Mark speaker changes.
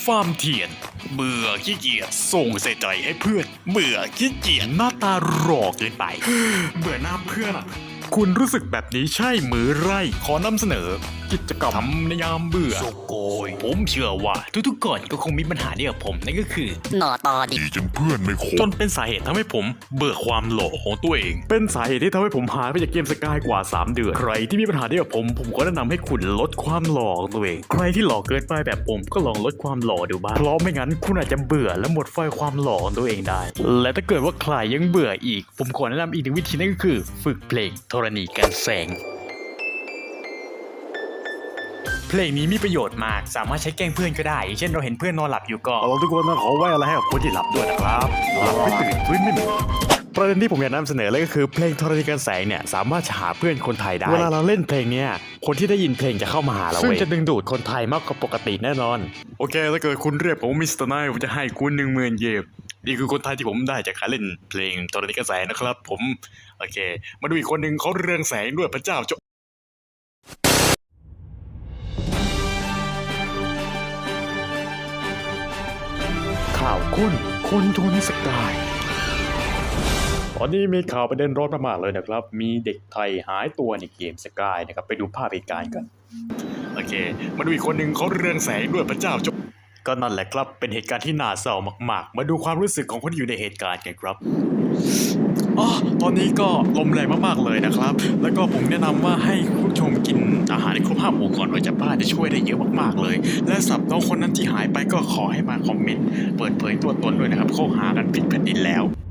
Speaker 1: ฟาร์มเทียนเบื่อขี้เกียจส่งใส่ใจให้เพื่อนเบื่อขี้เกียจหน้าตาหลอกเกินไป เบื่อหน้าเพื่อนอะคุณรู้สึกแบบนี้ใช่มือไรขอนำเสนอ กิจกรรมทำในยามเบื่อโซโกยผมเชื่อว่าทุกๆคนก็คงมีปัญหาเดียวกับผมนั่นก็คือ
Speaker 2: หน่อตอดิ
Speaker 3: ดีจนเพื่อนไม่คบ
Speaker 1: จนเป็นสาเหตุทำให้ผมเบื่อความหล่อของตัวเอง เป็นสาเหตุที่ทำให้ผมหายไปจากเกมสกายกว่า 3 เดือน ใครที่มีปัญหาเดียวกับผมก็แนะนำให้คุณลดความหล่อของตัวเอง ใครที่หล่อเกินไปแบบผมก็ลองลดความหล่อดูบ้าง เพราะไม่งั้นคุณอาจจะเบื่อและหมดไฟความหล่อของตัวเองได้ และถ้าเกิดว่าใครยังเบื่ออีก ผมขอแนะนำอีกหนึ่งวิธีนั่นก็คือ ฝึกเพลงธรณีกันแสง เพลงนี้มีประโยชน์มากสามารถใช้แกล้งเพื่อนก็ได้อย่างเช่นเราเห็นเพื่อนนอนหลับอยู่ก็เราทุกคนต้องขอไว้อะไรให้กับคนที่หลับด้วยนะครับหลับไม่ตื่นฟื้นไม่มีประเด็นที่ผมอยากนำเสนอเลยก็คือเพลงธรณีกันแสงเนี่ยสามารถหาเพื่อนคนไทยได้เวลาเราเล่นเพลงเนี้ยคนที่ได้ยินเพลงจะเข้ามาหาเราซึ่งจะดึงดูดคนไทยมากกว่าปกติแน่นอนโอเคถ้าเกิดคุณเรียกผมมิสเตอร์ไนท์ผมจะให้คุณ10,000 เยนนี่คือคนไทยที่ผมได้จากการเล่นเพลงธรณีกันแสงนะครับผมโอเคมาดูอีกคนหนึ่งเขาเรืองแสงด้วยพระเจ้าข่าวคนทุนสกายตอนนี้มีข่าวประเด็นร้อนมากๆเลยนะครับมีเด็กไทยหายตัวในเกมสกายนะครับไปดูภาพเหตุการณ์กันโอเคมาดูอีกคนหนึ่งเขาเรืองแสงด้วยพระเจ้าก็นั่นแหละครับเป็นเหตุการณ์ที่น่าเศร้ามากๆมาดูความรู้สึกของคนที่อยู่ในเหตุการณ์กันครับตอนนี้ก็ลมแรงมากๆเลยนะครับแล้วก็ผมแนะนำว่าให้คุณผู้ชมกินอาหารให้ครบ5 หมู่ก่อนไว้จากบ้านจะช่วยได้เยอะมากๆเลยและสำหรับน้องคนนั้นที่หายไปก็ขอให้มาคอมเมนต์เปิดเผยตัวตนด้วยนะครับเขาหากันผิดแผ่นดินแล้ว